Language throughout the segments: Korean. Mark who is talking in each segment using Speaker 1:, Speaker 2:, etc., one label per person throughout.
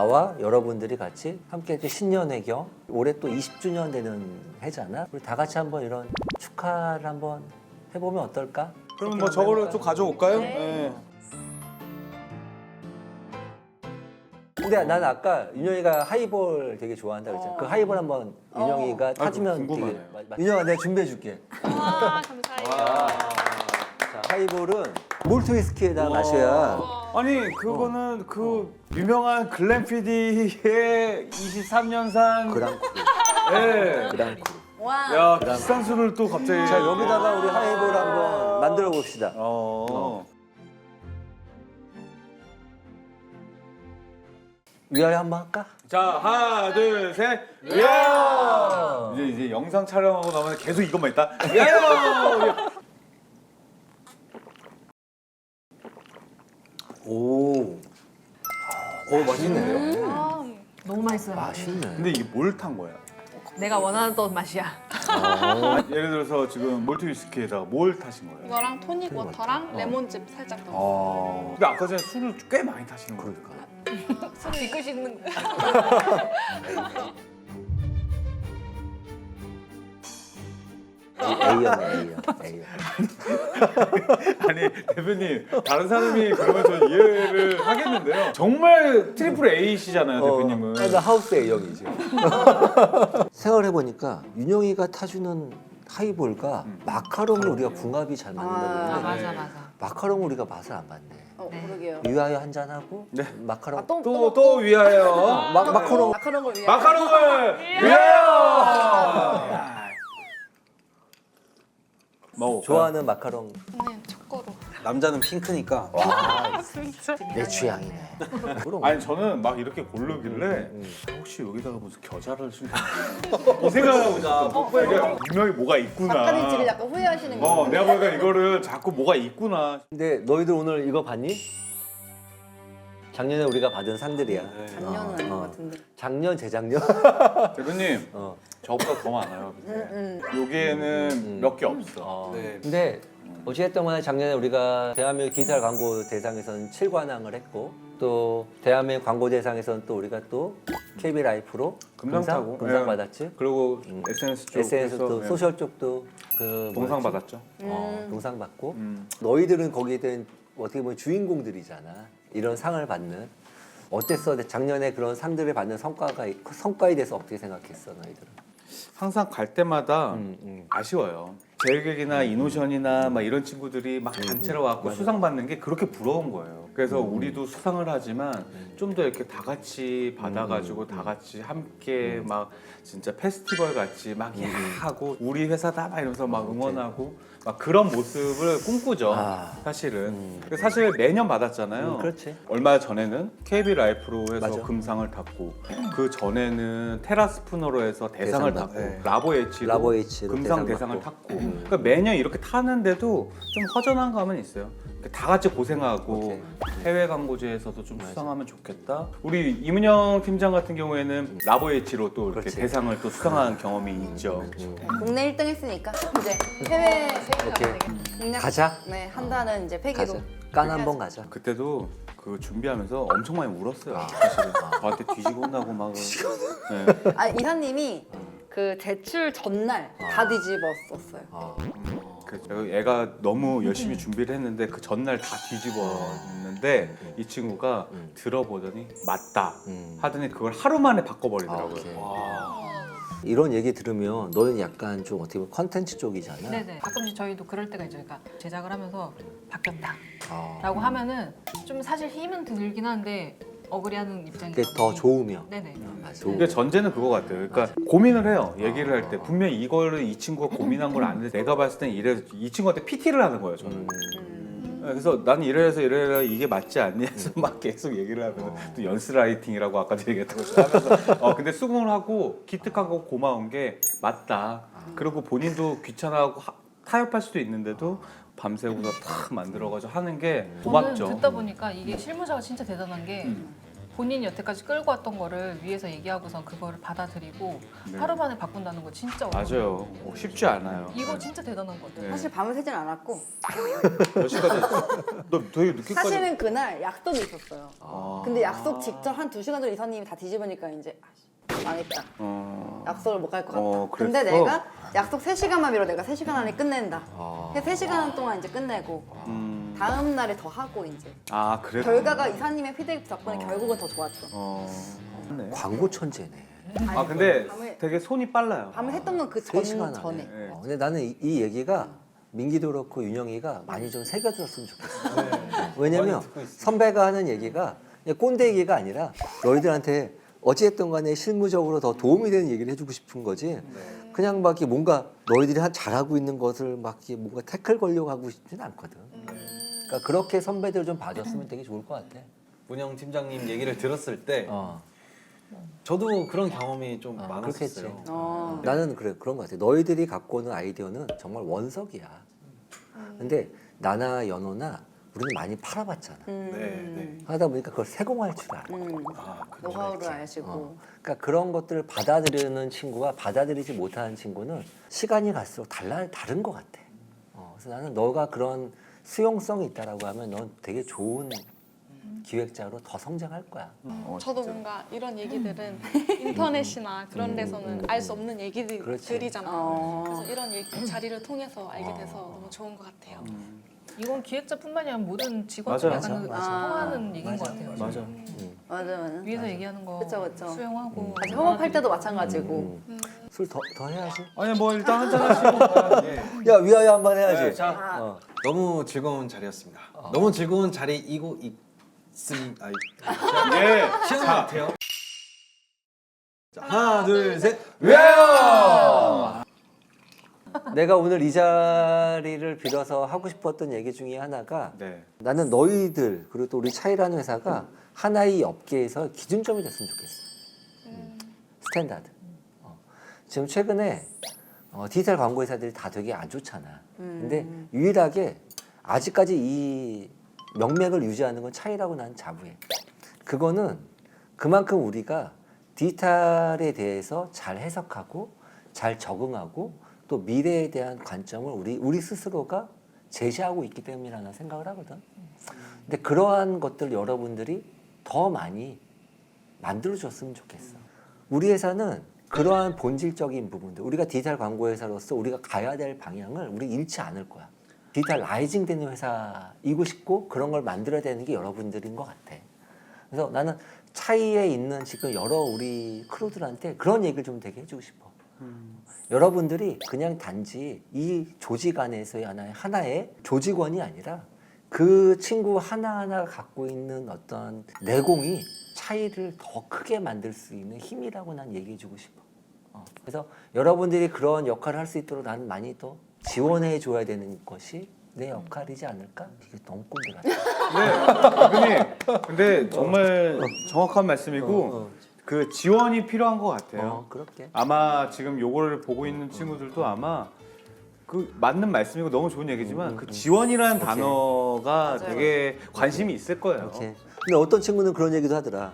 Speaker 1: 나와 여러분들이 같이 함께 이렇게 신년회 겸 올해 또 20주년 되는 해잖아. 우리 다 같이 한번 이런 축하를 한번 해보면 어떨까?
Speaker 2: 그럼 뭐 저거를 좀 가져올까요? 네.
Speaker 1: 근데 난 아까 윤영이가 하이볼 되게 좋아한다 그랬잖아. 그 하이볼 한번 윤영이가 타주면
Speaker 2: 궁금하네요.
Speaker 1: 되게 윤영아 내가 준비해줄게.
Speaker 3: 와 감사해요.
Speaker 1: 자, 하이볼은 몰트 위스키에다 마셔야
Speaker 2: 아니 그거는 그 유명한 글렌 PD의 23년산
Speaker 1: 그랑크루.
Speaker 2: 예.
Speaker 1: 그랑크루.
Speaker 4: 와.
Speaker 2: 야 비싼 술을 또 갑자기.
Speaker 1: 자 여기다가 우리 하이볼 한번 만들어 봅시다. 위아래 한번 할까?
Speaker 2: 자 하나 둘 셋. 야! 이제 영상 촬영하고 나면 계속 이것만 있다. 야!
Speaker 1: 오 맛있네.
Speaker 3: 너무 맛있어요.
Speaker 1: 맛있네.
Speaker 2: 근데 이게 뭘 탄 거야?
Speaker 3: 내가 원하던 맛이야.
Speaker 2: 예를 들어서 지금 몰트 위스키에다가 뭘 타신 거예요?
Speaker 5: 이거랑 토닉 워터랑 레몬즙 살짝 넣어.
Speaker 2: 근데 아까 전에 술을 꽤 많이 타시는 거예요.
Speaker 1: 그러니까.
Speaker 3: 술 이끄시는
Speaker 1: A형.
Speaker 2: 아니 대표님 다른 사람이 그러면 저 이해를 하겠는데요. 정말 트리플 A시잖아요 대표님은.
Speaker 1: 나 하우스 A형이지. 생각해 보니까 윤영이가 타주는 하이볼과 마카롱을 우리가 궁합이 잘 맞는다고
Speaker 3: 맞아
Speaker 1: 했는데
Speaker 3: 맞아.
Speaker 1: 마카롱을 우리가 맛을 안 봤네.
Speaker 3: 네.
Speaker 4: 그러게요.
Speaker 1: 위하여 한 잔 하고
Speaker 2: 네.
Speaker 1: 마카롱
Speaker 2: 또 위하여.
Speaker 1: 마카롱
Speaker 4: 마카롱을 위해.
Speaker 2: 마카롱을 위하여. 먹어.
Speaker 1: 좋아하는 마카롱.
Speaker 5: 네, 초코로.
Speaker 6: 남자는 핑크니까
Speaker 1: 내 취향이네. 그럼.
Speaker 2: 아니 저는 막 이렇게 고르길래 혹시 여기다가 무슨 겨자를 쓴 이 생각하고 있었거든요. 분명히 뭐가 있구나.
Speaker 4: 닭가슴살을 약간 후회하시는 거.
Speaker 2: 내가 보니까 이거를 자꾸 뭐가 있구나.
Speaker 1: 근데 너희들 오늘 이거 봤니? 작년에 우리가 받은 상들이야.
Speaker 4: 작년은 아닌 것 같은데.
Speaker 1: 작년, 재작년.
Speaker 2: 대표님
Speaker 1: 어.
Speaker 2: 저보다 더 많아요. 여기에는 몇 개 없어.
Speaker 6: 네.
Speaker 1: 근데 어찌됐든 간에 작년에 우리가 대한민국 디지털 광고 대상에서는 7관왕을 했고 또 대한민국 광고 대상에서는 또 우리가 또 KB 라이프로
Speaker 2: 금상 타고.
Speaker 1: 금상
Speaker 2: 예.
Speaker 1: 받았지.
Speaker 2: 그리고 SNS 쪽
Speaker 1: SNS 도 소셜 쪽도 그
Speaker 2: 동상
Speaker 1: 뭐였지?
Speaker 2: 받았죠.
Speaker 1: 동상 받고
Speaker 2: 음.
Speaker 1: 너희들은 거기에 대한 어떻게 보면 주인공들이잖아. 이런 상을 받는 어땠어? 작년에 그런 상들을 받는 성과에 대해서 어떻게 생각했어, 너희들은?
Speaker 2: 항상 갈 때마다 아쉬워요. 제일객이나 이노션이나 막 이런 친구들이 막 단체로 와서 수상 받는 게 그렇게 부러운 거예요. 그래서 우리도 수상을 하지만 좀 더 이렇게 다 같이 받아가지고 다 같이 함께 막 진짜 페스티벌 같이 막 하고 우리 회사다 막 이러면서 막 응원하고 막 그런 모습을 꿈꾸죠.
Speaker 1: 아.
Speaker 2: 사실은. 사실 매년 받았잖아요.
Speaker 1: 그렇지.
Speaker 2: 얼마 전에는 KB 라이프로 해서
Speaker 1: 맞아.
Speaker 2: 금상을 탔고 그 전에는 테라스푸너로 해서 대상을
Speaker 1: 대상
Speaker 2: 탔고
Speaker 1: 받고.
Speaker 2: 라보 H로
Speaker 1: 라보 H로
Speaker 2: 금상
Speaker 1: 대상
Speaker 2: 대상을
Speaker 1: 받고.
Speaker 2: 탔고 그러니까 매년 이렇게 타는데도 좀 허전한 감은 있어요. 다 같이 고생하고
Speaker 1: 오케이.
Speaker 2: 해외 광고제에서도 좀 수상하면 좋겠다. 우리 이문영 팀장 같은 경우에는 라보 H로 또 이렇게
Speaker 1: 그렇지.
Speaker 2: 대상을 또 수상한 경험이 있죠.
Speaker 4: 국내 1등 했으니까 이제 해외
Speaker 1: 오케이.
Speaker 4: 공략
Speaker 1: 가자.
Speaker 4: 네, 한다는 이제 패기로.
Speaker 1: 가자. 깐 한번 가자.
Speaker 2: 그때도 그 준비하면서 엄청 많이 울었어요. 사실은 저한테 뒤지고 혼나고 막. 네.
Speaker 4: 아, 이사님이 그 제출 전날 다 뒤집었었어요.
Speaker 2: 그래서 애가 너무 열심히 준비를 했는데 그 전날 다 뒤집었는데 이 친구가 들어보더니 맞다 하더니 그걸 하루 만에 바꿔버리더라고요.
Speaker 1: 오케이. 이런 얘기 들으면 너는 약간 좀 어떻게 보면 컨텐츠 쪽이잖아.
Speaker 3: 네네. 가끔씩 저희도 그럴 때가 있죠. 그러니까 제작을 하면서 바뀌었다라고
Speaker 1: 아.
Speaker 3: 하면은 좀 사실 힘은 들긴 한데 억울해하는 입장이.
Speaker 1: 그게 더 좋으면.
Speaker 3: 네네.
Speaker 1: 맞아.
Speaker 2: 근데 전제는 그거 같아요. 그러니까 고민을 해요. 얘기를 할 때 분명히 이거를 이 친구가 고민한 걸 아는데 내가 봤을 땐 이래 이 친구한테 PT를 하는 거예요. 저는. 그래서 나는 이래서 이게 맞지 않니? 해서 막 계속 얘기를 하면서 또 연스라이팅이라고 아까도 얘기했던 것처럼 하면서 근데 수긍을 하고 기특하고 고마운 게 맞다. 그리고 본인도 귀찮아하고 타협할 수도 있는데도 밤새고서 탁 만들어가지고 하는 게
Speaker 3: 저는
Speaker 2: 고맙죠.
Speaker 3: 듣다 보니까 이게 실무자가 진짜 대단한 게 본인이 여태까지 끌고 왔던 거를 위에서 얘기하고선 그거를 받아들이고
Speaker 2: 네.
Speaker 3: 하루 만에 바꾼다는 거 진짜 어려워요.
Speaker 2: 맞아요. 쉽지 않아요.
Speaker 3: 이거 진짜 대단한 것 같아요.
Speaker 2: 네.
Speaker 4: 사실 밤을 새진 않았고
Speaker 2: 몇 시까지 했어? 너 되게 늦게까지.
Speaker 4: 사실은 그날 약속이 있었어요.
Speaker 2: 아.
Speaker 4: 근데 약속 직전 한 2시간 전에 이사님이 다 뒤집으니까 이제 아씨, 망했다. 약속을 못 갈 것 같다. 근데
Speaker 2: 그랬어?
Speaker 4: 내가 약속 3시간만 미뤄 내가 3시간 안에 끝낸다.
Speaker 1: 아.
Speaker 4: 그래서 3시간 동안 이제 끝내고 다음 날에 더 하고 이제
Speaker 2: 그래.
Speaker 4: 결과가 이사님의 피드백 덕분에 결국은 더 좋았죠.
Speaker 2: 네.
Speaker 1: 광고 천재네.
Speaker 2: 근데
Speaker 4: 밤에-
Speaker 2: 되게 손이 빨라요.
Speaker 4: 밤을 했던 건 그
Speaker 1: 3시간
Speaker 4: 전에.
Speaker 2: 네.
Speaker 1: 근데 나는 이 얘기가 민기도 그렇고 윤영이가 많이 좀 새겨들었으면 좋겠어. 왜냐면 선배가 하는 얘기가 그냥 꼰대 얘기가 아니라 너희들한테 어찌됐든 간에 실무적으로 더 도움이 되는 얘기를 해주고 싶은 거지. 그냥 막 이렇게 뭔가 너희들이 잘하고 있는 것을 막 이렇게 뭔가 태클 걸려고 하고 싶지는 않거든. 그러니까 그렇게 선배들 좀 봐줬으면 되게 좋을 것 같아.
Speaker 6: 문영 팀장님 얘기를 들었을 때
Speaker 1: 어.
Speaker 6: 저도 그런 경험이 좀
Speaker 1: 그렇겠지.
Speaker 6: 많았었어요.
Speaker 1: 나는 그런 것 같아. 너희들이 갖고 오는 아이디어는 정말 원석이야. 근데 나나 연호나 우리는 많이 팔아봤잖아.
Speaker 6: 네.
Speaker 1: 하다 보니까 그걸 세공할 줄 알아.
Speaker 4: 노하우를 아시고.
Speaker 1: 그러니까 그런 것들을 받아들이는 친구와 받아들이지 못하는 친구는 시간이 갈수록 다른 것 같아. 그래서 나는 너가 그런 수용성이 있다라고 하면 넌 되게 좋은 기획자로 더 성장할 거야.
Speaker 5: 저도 뭔가 이런 얘기들은 인터넷이나 그런 데서는 알 수 없는 얘기들이잖아요. 그래서 이런 자리를 통해서 알게 돼서 너무 좋은 것 같아요.
Speaker 3: 이건 기획자뿐만이 아니라 모든 직원들
Speaker 2: 맞아,
Speaker 3: 약간 통하는 얘기인 것 같아요.
Speaker 2: 맞아.
Speaker 4: 맞아.
Speaker 3: 위에서 얘기하는 거
Speaker 4: 그쵸.
Speaker 3: 수용하고
Speaker 4: 아직 협업할 때도 마찬가지고.
Speaker 1: 술 더 해야지.
Speaker 2: 아니 뭐 일단 한잔 하시고.
Speaker 1: 야 위하여 한번 해야지.
Speaker 6: 네, 자, 너무 즐거운 자리였습니다. 너무 즐거운 자리이고 있습니다.
Speaker 2: 예.
Speaker 6: 시간 같아요. 자, 하나, 둘, 셋.
Speaker 1: 내가 오늘 이 자리를 빌어서 하고 싶었던 얘기 중에 하나가
Speaker 2: 네.
Speaker 1: 나는 너희들 그리고 또 우리 차이라는 회사가 하나의 업계에서 기준점이 됐으면 좋겠어. 스탠다드. 지금 최근에 디지털 광고 회사들이 다 되게 안 좋잖아. 근데 유일하게 아직까지 이 명맥을 유지하는 건 차이라고 나는 자부해. 그거는 그만큼 우리가 디지털에 대해서 잘 해석하고 잘 적응하고 또 미래에 대한 관점을 우리 스스로가 제시하고 있기 때문이라는 생각을 하거든. 근데 그러한 것들 여러분들이 더 많이 만들어줬으면 좋겠어. 우리 회사는 그러한 본질적인 부분들, 우리가 디지털 광고 회사로서 우리가 가야 될 방향을 우리 잃지 않을 거야. 디지털 라이징 되는 회사이고 싶고 그런 걸 만들어야 되는 게 여러분들인 것 같아. 그래서 나는 차이에 있는 지금 여러 우리 크루들한테 그런 얘기를 좀 되게 해주고 싶어. 여러분들이 그냥 단지 이 조직 안에서의 하나의 조직원이 아니라 그 친구 하나하나가 갖고 있는 어떤 내공이 차이를 더 크게 만들 수 있는 힘이라고 난 얘기해주고 싶어. 그래서 여러분들이 그런 역할을 할 수 있도록 나는 많이 더 지원해 줘야 되는 것이 내 역할이지 않을까? 이게 너무 꼰대 같아.
Speaker 2: 네, 대표님. 근데 정말 정확한 말씀이고 그 지원이 필요한 것 같아요.
Speaker 1: 그렇게.
Speaker 2: 아마 지금 요거를 보고 있는 친구들도 아마 그 맞는 말씀이고 너무 좋은 얘기지만 그 지원이라는 단어가 되게 관심이 있을 거예요.
Speaker 1: 이렇게. 근데 어떤 친구는 그런 얘기도 하더라.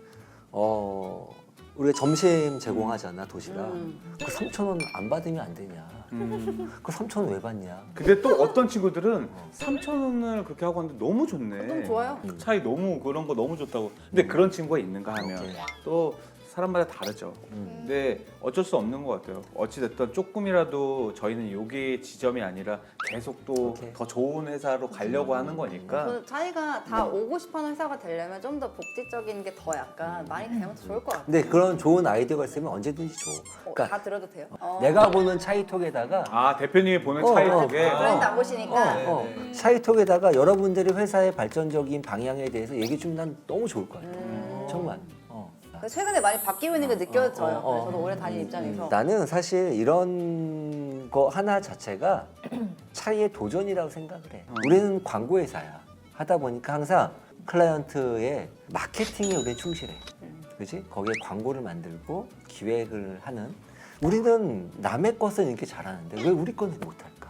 Speaker 1: 우리가 점심 제공하잖아, 도시락. 그 3,000원 안 받으면 안 되냐. 그 3,000원 왜 받냐.
Speaker 2: 근데 또 어떤 친구들은 3,000원을 그렇게 하고 하는데 너무 좋네.
Speaker 4: 너무 좋아요.
Speaker 2: 차이 너무 그런 거 너무 좋다고. 근데 그런 친구가 있는가 하면
Speaker 1: 오케이.
Speaker 2: 또 사람마다 다르죠. 근데 어쩔 수 없는 것 같아요. 어찌됐든 조금이라도 저희는 여기 지점이 아니라 계속 또
Speaker 1: 오케이.
Speaker 2: 더 좋은 회사로 가려고 하는 거니까.
Speaker 4: 그 차이가 다 오고 싶어하는 회사가 되려면 좀 더 복지적인 게 더 약간 많이 되면 더 좋을 것 같아요.
Speaker 1: 근데 그런 좋은 아이디어가 있으면 언제든지 줘. 그러니까
Speaker 4: 다 들어도 돼요?
Speaker 1: 내가 보는 차이톡에다가
Speaker 2: 아 대표님이 보는
Speaker 1: 어,
Speaker 2: 차이
Speaker 1: 어.
Speaker 2: 속에
Speaker 4: 브랜드 안 보시니까
Speaker 1: 차이톡에다가 여러분들이 회사의 발전적인 방향에 대해서 얘기 주면 난 너무 좋을 것 같아. 정말.
Speaker 4: 최근에 많이 바뀌고 있는 게 느껴져요.
Speaker 1: 어.
Speaker 4: 저도 오래 다닌 입장에서.
Speaker 1: 나는 사실 이런 거 하나 자체가 차이의 도전이라고 생각을 해. 우리는 광고 회사야. 하다 보니까 항상 클라이언트의 마케팅에 우리는 충실해. 그렇지? 거기에 광고를 만들고 기획을 하는. 우리는 남의 것은 이렇게 잘하는데 왜 우리 거는 못할까?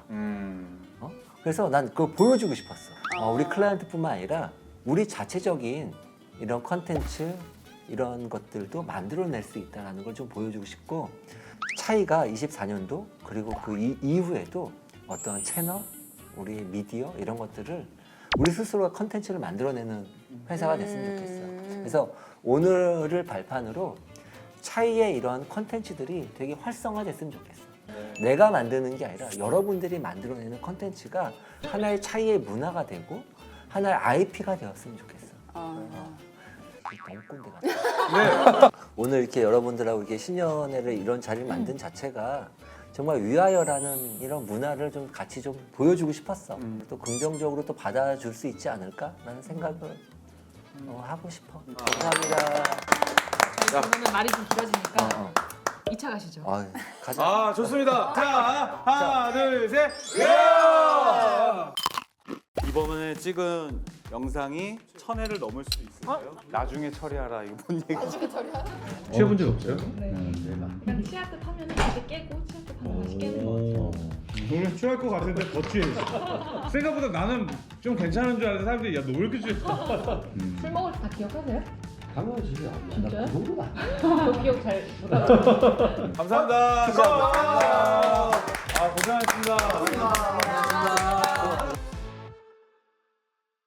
Speaker 1: 그래서 난 그걸 보여주고 싶었어. 우리 클라이언트뿐만 아니라 우리 자체적인 이런 컨텐츠 이런 것들도 만들어낼 수 있다는 걸 좀 보여주고 싶고 차이가 24년도 그리고 그 이후에도 어떤 채널, 우리 미디어 이런 것들을 우리 스스로가 컨텐츠를 만들어내는 회사가 됐으면 좋겠어요. 그래서 오늘을 발판으로 차이의 이런 컨텐츠들이 되게 활성화됐으면 좋겠어. 내가 만드는 게 아니라 여러분들이 만들어내는 컨텐츠가 하나의 차이의 문화가 되고 하나의 IP가 되었으면 좋겠어. 너무 꼰대 같아. 오늘 이렇게 여러분들하고 이렇게 신년회를 이런 자리를 만든 자체가 정말 위하여라는 이런 문화를 좀 같이 좀 보여주고 싶었어. 또 긍정적으로 또 받아줄 수 있지 않을까라는 생각을 하고 싶어. 감사합니다.
Speaker 3: 그러면 말이 좀 길어지니까 2차 가시죠.
Speaker 1: 가자.
Speaker 2: 아 좋습니다. 자 하나 둘 셋. 야! 이번에 찍은 영상이 1000회를 넘을 수도 있을까요? 나중에 처리하라 이거 뭔 얘기?
Speaker 7: 취해본 적 없어요?
Speaker 3: 그냥 치아뜻 하면 다시 깨고 치아뜻 하면 다시 깨는 거 같아요.
Speaker 7: 너는 취할 것 같은데 더 취해. 생각보다 나는 좀 괜찮은 줄 알았는데 사람들이 야 너 왜 이렇게 취했어?
Speaker 3: 술 먹을 때 다 기억하세요?
Speaker 1: 당연하지.
Speaker 3: 진짜요?
Speaker 1: 그 정도는 아니야.
Speaker 3: 저 기억 잘 못하고.
Speaker 2: 감사합니다. 감사합니다.